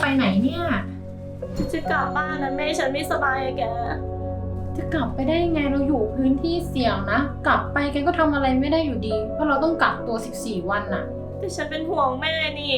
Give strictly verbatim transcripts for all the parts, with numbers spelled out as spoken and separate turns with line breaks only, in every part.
ไหนเนี่ย
จะกลับบ้านนะแม่ฉันไม่สบายอะแก
จะกลับไปได้ยังไงเราอยู่พื้นที่เสี่ยงนะกลับไปแกก็ทำอะไรไม่ได้อยู่ดีเพราะเราต้องกักตัวสิบสี่วันน่ะ
แต่ฉันเป็นห่วงแม่นี่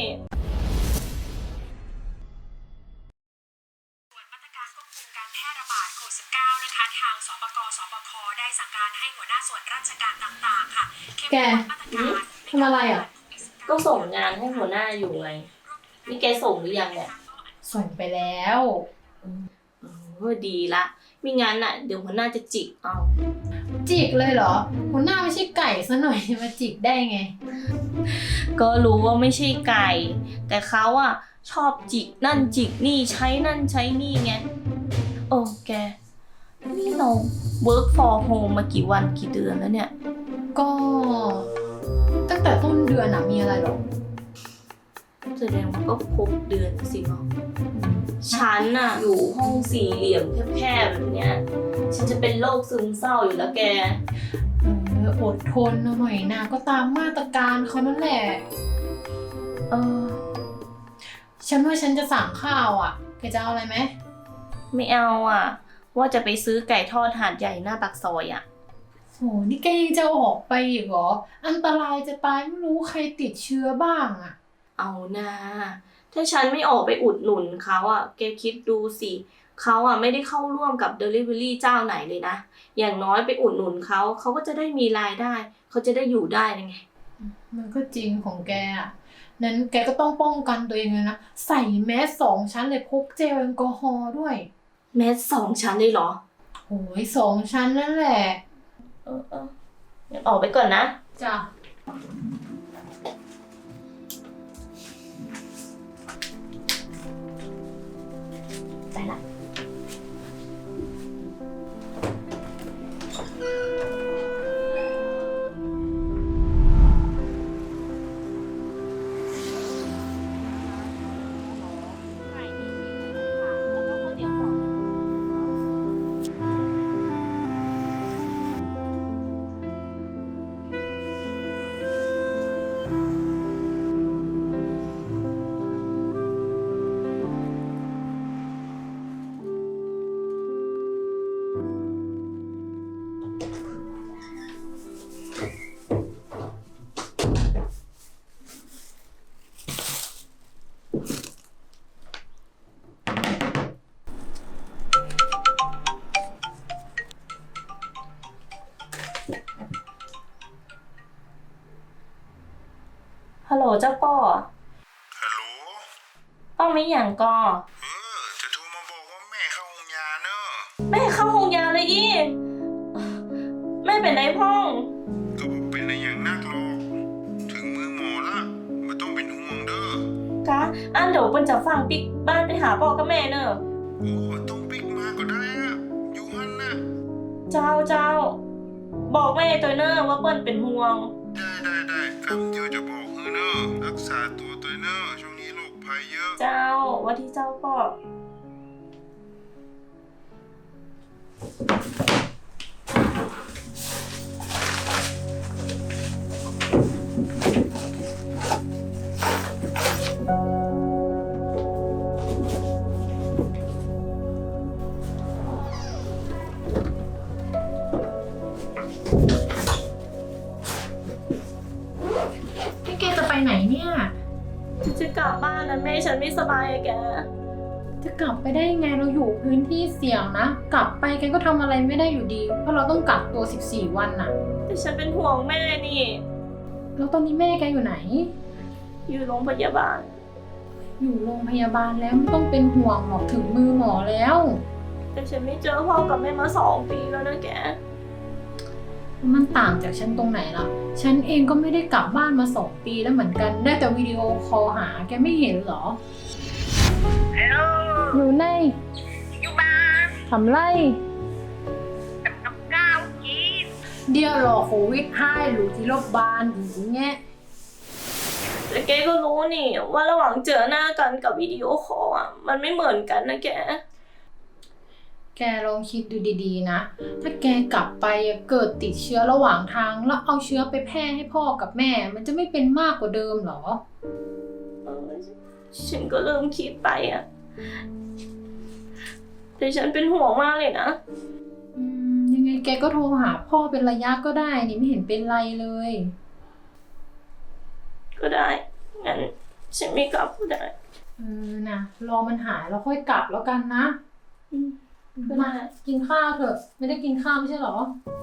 ส่วนมาตรการควบคุมการแพร่ระบาดโควิด สิบเก้า นะคะทางสปก.สบค.ได้สั่งการให้หัวหน้าส่วนราชการต่างๆค่ะ
แกทำอะไรอ่ะ
ก็ส่งงานให้หัวหน้าอยู่ไงนี่แกส่งหรือยังเนี่ย
ส่งไปแล้ว
เออดีละไม่งั้นน่ะเดี๋ยวหัวหน้าจะจิกเอา
จิกเลยเหรอหัวหน้าไม่ใช่ไก่ซะหน่อยมาจิกได้ไง
ก็รู้ว่าไม่ใช่ไก่แต่เขาอะชอบจิกนั่นจิกนี่ใช้นั่นใช้นี่ไงโอ้แกนี่เรา work for home มากี่วันกี่เดือนแล้วเนี่ย
ก็ตั้งแต่ต้นเดือนอะมีอะไรหรอ
แสดงว่าก็ครบเดือนสิเนาะฉันน่ะอยู่ห้องสี่เหลี่ยมแคบๆแบบเนี้ยฉันจะเป็นโรคซึมเศร้าอยู่แล้วแก
เอออดทนหน่อยนะก็ตามมาตรการเขานั่นแหละเออฉันว่าฉันจะสั่งข้าวอ่ะแกจะเอาอะไรไหม
ไม่เอาอ่ะว่าจะไปซื้อไก่ทอดหาดใหญ่หน้าปากซอยอ่ะ
โหนี่แกยังจะออกไปอีกเหรออันตรายจะตายไม่รู้ใครติดเชื้อบ้างอ่ะ
เอานะถ้าฉันไม่ออกไปอุดหนุนเขาอ่ะแกคิดดูสิเขาอ่ะไม่ได้เข้าร่วมกับ Delivery เจ้าไหนเลยนะอย่างน้อยไปอุดหนุนเขาเขาก็จะได้มีรายได้เขาจะได้อยู่ได้ไง
มันก็จริงของแกอ่ะนั้นแกก็ต้องป้องกันตัวเองเลยนะใส่แมสสองชั้นเลยพกเจลแอลกอฮอล์ด้วย
แมสสองชั้นเลยเหรอ
โอ้ยสองชั้นนั่นแหละ
เออเอองั้นออกไปก่อนนะ
จ้ะ
ไปละฮัลโหลเจ้าป้อ
ฮัลโหล
ป้อไม่อย่างกอ
เออจะโทรมาบอกว่าแม่เข้าห้องยาเนอะ
แม่เข้าห้องยาเลยอีแม่เป็นไรพ่อง
ก็บอกเป็นอะไรอย่างนักหรอกถึงมือหมอละไม่ต้องเป็นห่วงเด้อก
ะอันเดี๋ยวเปิ้นจะฟังปิกบ้านไปหาพ่อกับแม่เนอะ
โอ้ต้องปิกมาก็ได้อะอยู่หันนะ
เจ้าเจ้าบอกแม่ตัวเนอะว่าเปิ้นเป็นห่วง
ได้ได้ได้คำเดียวจะบอกเออเนอะรักษาตัวตัวเนอะช่วงนี้โรคภัยเยอะ
เจ้าว่าที่เจ้าพ่อ
นี่แกจะไปไหนเนี่ย
จะกลับบ้านนะแม่ฉันไม่สบายอะแก
จะกลับไปได้ยังไงเราอยู่พื้นที่เสี่ยงนะกลับไปแกก็ทำอะไรไม่ได้อยู่ดีเพราะเราต้องกักตัวสิบสี่วันน่ะ
แต่ฉันเป็นห่วงแม่นี่
แล้วตอนนี้แม่แกอยู่ไหน
อยู่โรงพยาบาล
อยู่โรงพยาบาลแล้วไม่ต้องเป็นห่วงหรอกถึงมือหมอแล้ว
แต่ฉันไม่เจอพ่อกับแม่มาสองปีแล้วนะแก
มันต่างจากฉันตรงไหนล่ะฉันเองก็ไม่ได้กลับบ้านมาสองปีแล้วเหมือนกันได้แต่วิดีโอคอลหาแกไม่เห็นเหรอ
ฮัลโหล
อยู่ใน
อยู่บ้าน
ทำไร
ทำกับข้าวกิน
เดี๋ยวรอโควิดให้หรือที่โรงพยาบาลอย่างเงี้ย
แต่แกก็รู้นี่ว่าระหว่างเจอหน้ากันกับวิดีโอคอลอ่ะมันไม่เหมือนกันนะแก
แกลองคิดดูดีๆนะถ้าแกกลับไปเกิดติดเชื้อระหว่างทางแล้วเอาเชื้อไปแพร่ให้พ่อกับแม่มันจะไม่เป็นมากกว่าเดิมหรอ
เออฉันก็เริ่มคิดไปอะแต่ฉันเป็นห่วงมากเลยนะ
อืมยังไงแกก็โทรหาพ่อเป็นระยะก็ได้นี่ไม่เห็นเป็นไรเลย
ก็ได้ งั้นฉันไม่กลับก็ได้
เออนะรอมันหายแล้วค่อยกลับแล้วกันนะ
อืมก็
มา
ได้
กินข้าวเถอะ ไม่ได้กินข้าวไม่ใช่เหรอ
อ